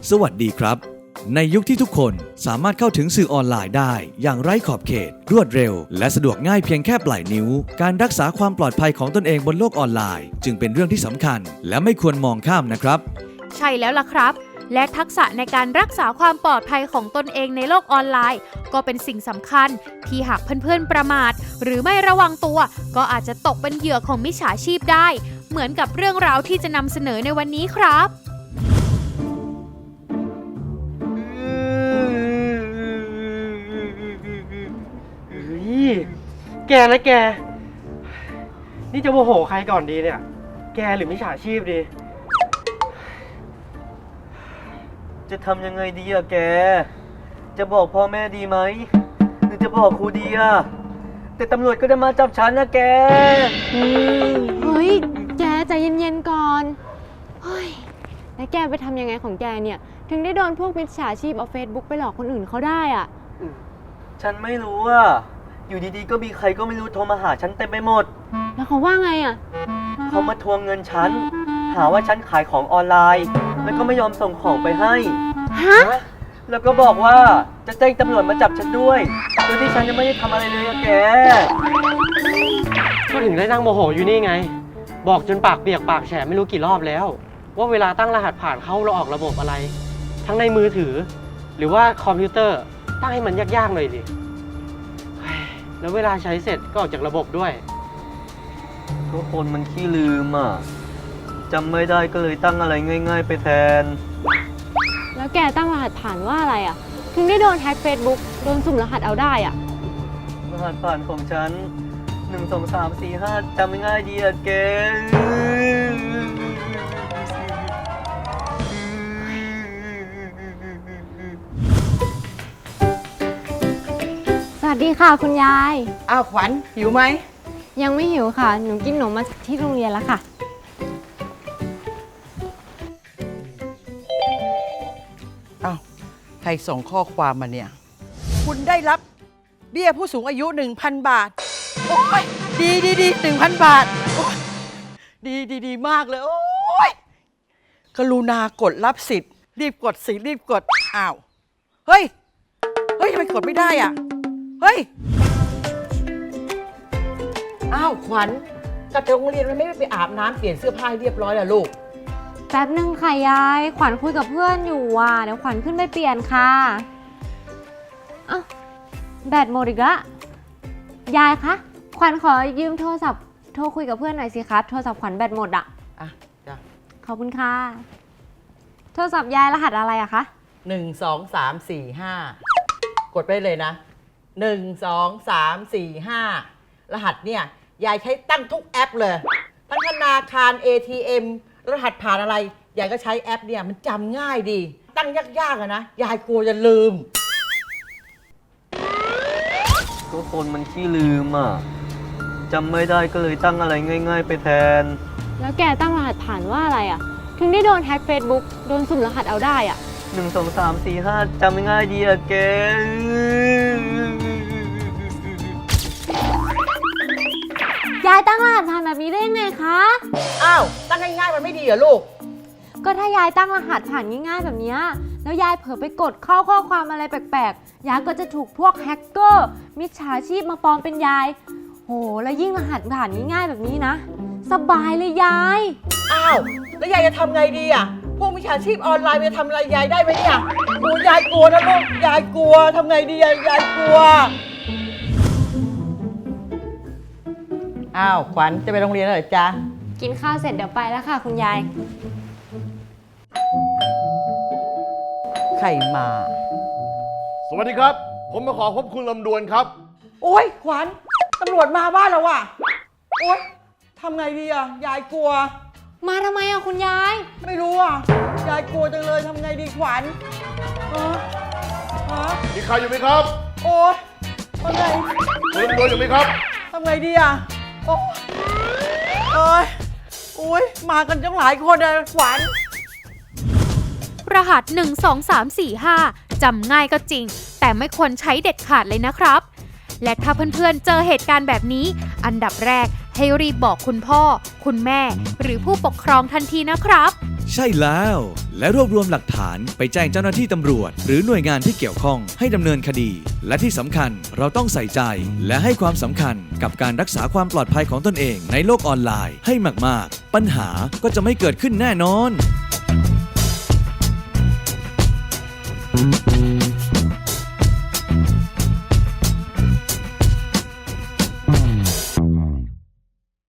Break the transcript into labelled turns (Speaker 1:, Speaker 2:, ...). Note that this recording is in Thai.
Speaker 1: สวัสดีครับในยุคที่ทุกคนสามารถเข้าถึงสื่อออนไลน์ได้อย่างไร้ขอบเขตรวดเร็วและสะดวกง่ายเพียงแค่ปลายนิ้วการรักษาความปลอดภัยของตนเองบนโลกออนไลน์จึงเป็นเรื่องที่สำคัญและไม่ควรมองข้ามนะครับ
Speaker 2: ใช่แล้วล่ะครับและทักษะในการรักษาความปลอดภัยของตนเองในโลกออนไลน์ก็เป็นสิ่งสำคัญที่หากเพื่อนๆประมาทหรือไม่ระวังตัวก็อาจจะตกเป็นเหยื่อของมิจฉาชีพได้เหมือนกับเรื่องราวที่จะนำเสนอในวันนี้ครับ
Speaker 3: แกนะแกนี่จะโมโหใครก่อนดีเนี่ยแกหรือมิจฉาชีพดี
Speaker 4: จะทำยังไงดีอะแกจะบอกพ่อแม่ดีไหมหรือจะบอกครูดีอะแต่ตำรวจก็จะมาจับฉันนะแก
Speaker 5: เฮ้ยแกใจเย็นๆก่อนเฮ้ยแล้วแกไปทำยังไงของแกเนี่ยถึงได้โดนพวกมิจฉาชีพเอาเฟซบุ๊กไปหลอกคนอื่นเขาได้อ่ะ
Speaker 4: ฉันไม่รู้อะอยู่ดีๆก็มีใครก็ไม่รู้โทรมาหาฉันเต็มไปหมด
Speaker 5: แล้วเขาว่าไงอ่ะ
Speaker 4: เขามาทวงเงินฉันหาว่าฉันขายของออนไลน์แล้วก็ไม่ยอมส่งของไปให้
Speaker 5: ฮะ
Speaker 4: แล้วก็บอกว่าจะแจ้งตำรวจมาจับฉันด้วยโดยที่ฉันยังไม่ได้ทำอะไรเลยอะแก
Speaker 3: ก็ถึงได้นั่งโมโหอยู่นี่ไงบอกจนปากเปียกปากแฉะไม่รู้กี่รอบแล้วว่าเวลาตั้งรหัสผ่านเข้าเราออกระบบอะไรทั้งในมือถือหรือว่าคอมพิวเตอร์ตั้งให้มันยากๆหน่อยดิแล้วเวลาใช้เสร็จก็ออกจากระบบด้วย
Speaker 4: ทุกคนมันขี้ลืมอ่ะจำไม่ได้ก็เลยตั้งอะไรง่ายๆไปแทน
Speaker 5: แล้วแกตั้งรหัสผ่านว่าอะไรอ่ะถึงได้โดนแฮ็กเฟซบุ๊กโดนสุ่มรหัสเอาได้อ่ะ
Speaker 4: รหัสผ่านของฉัน1 2 3 4 5จำง่ายดีอะแก
Speaker 5: สวัสดีค่ะคุณยาย
Speaker 6: อ้าวขวัญหิวไหม
Speaker 5: ยังไม่หิวค่ะหนูกินขนมมาที่โรงเรียนแล้วค่ะ
Speaker 6: อ้าวใครส่งข้อความมาเนี่ยคุณได้รับเบี้ยผู้สูงอายุ 1,000 บาทโอ้ยดี 1,000 บาทโอ้ยดีมากเลยโอ้ยกรุณากดรับสิทธิ์รีบกดสิรีบกดอ้าวเฮ้ยทำไมกดไม่ได้อ่ะเฮ้ยอ้าวขวัญกลับจากโรงเรียนมันไม่ไปอาบน้ำเปลี่ยนเสื้อผ้าให้เรียบร้อยล่ะลูก
Speaker 5: แป๊บนึงค่ะยายขวัญคุยกับเพื่อนอยู่ว่ะเดี๋ยวขวัญขึ้นไปเปลี่ยนค่ะอ้าวแบตหมดอีกแล้วยายคะขวัญขอยืมโทรศัพท์โทรคุยกับเพื่อนหน่อยสิคะโทรศัพท์ขวัญแบตหมดอะ
Speaker 6: จ้ะ
Speaker 5: ขอบคุณค่ะโทรศัพท์ยายรหัสอะไรอะคะ
Speaker 6: 1 2 3 4 5กดไปเลยนะ1 2 3 4 5รหัสเนี่ยยายใช้ตั้งทุกแอปเลยทั้งธนาคาร ATM รหัสผ่านอะไรยายก็ใช้แอปเนี่ยมันจำง่ายดีตั้งยากๆอะนะยายกลัวจะลืม
Speaker 4: ทุกคนมันขี้ลืมอ่ะจำไม่ได้ก็เลยตั้งอะไรง่ายๆไปแทน
Speaker 5: แล้วแกตั้งรหัสผ่านว่าอะไรอะถึงได้โดนแฮ็กเฟซบุ๊กโดนสุ่มรหัสเอาได้อะ
Speaker 4: 1 2 3 4 5จำง่ายดีอะแก
Speaker 5: ยายตั้งรหัสผ่านแบบนี้ได้ยังไงคะ
Speaker 6: อ้าวตั้งง่ายๆมันไม่ดีเหรอลูก
Speaker 5: ก็ถ้ายายตั้งรหัสผ่านง่ายๆแบบนี้แล้วยายเผลอไปกดเข้าข้อความอะไรแปลกๆยายก็จะถูกพวกแฮกเกอร์มิจฉาชีพมาปลอมเป็นยายโหแล้วยิ่งรหัสผ่านง่ายๆแบบนี้นะสบายเลยยาย
Speaker 6: อ้าวแล้วยายจะทำไงดีอ่ะพวกมิจฉาชีพออนไลน์มันจะทำอะไรยายได้ไหมเนี่ยโอ้ยายกลัวนะลูกยายกลัวทำไงดียายกลัวอ้าวขวัญจะไปโรงเรียนเหรอจ๊ะ
Speaker 5: กินข้าวเสร็จเดี๋ยวไปแล้วค่ะคุณยาย
Speaker 6: ใครมา
Speaker 7: สวัสดีครับผมมาขอพบคุณลำดวนครับ
Speaker 6: โอ๊ยขวัญตำรวจมาบ้านแล้วว่ะโอ๊ยทำไงดีอ่ะยายกลัว
Speaker 5: มาทำไมอ่ะคุณยาย
Speaker 6: ไม่รู้อ่ะยายกลัวจังเลยทำไงดีขวัญ
Speaker 7: มีใครอยู่ไหมครับ
Speaker 6: โอ๊ยทำไง
Speaker 7: คุณลำดวนอยู่ไหมครับ
Speaker 6: ทำไงดีอ่ะโอ๊ยมากันจังหลายคนเลยขวัญ
Speaker 2: รหัส1 2 3 4 5จำง่ายก็จริงแต่ไม่ควรใช้เด็ดขาดเลยนะครับและถ้าเพื่อนๆเจอเหตุการณ์แบบนี้อันดับแรกให้รีบบอกคุณพ่อคุณแม่หรือผู้ปกครองทันทีนะครับ
Speaker 1: ใช่แล้ว และรวบรวมหลักฐานไปแจ้งเจ้าหน้าที่ตำรวจ หรือหน่วยงานที่เกี่ยวข้องให้ดำเนินคดี และที่สำคัญเราต้องใส่ใจและให้ความสำคัญกับการรักษาความปลอดภัยของตนเองในโลกออนไลน์ให้มากๆปัญหาก็จะไม่เกิดขึ้นแน่นอน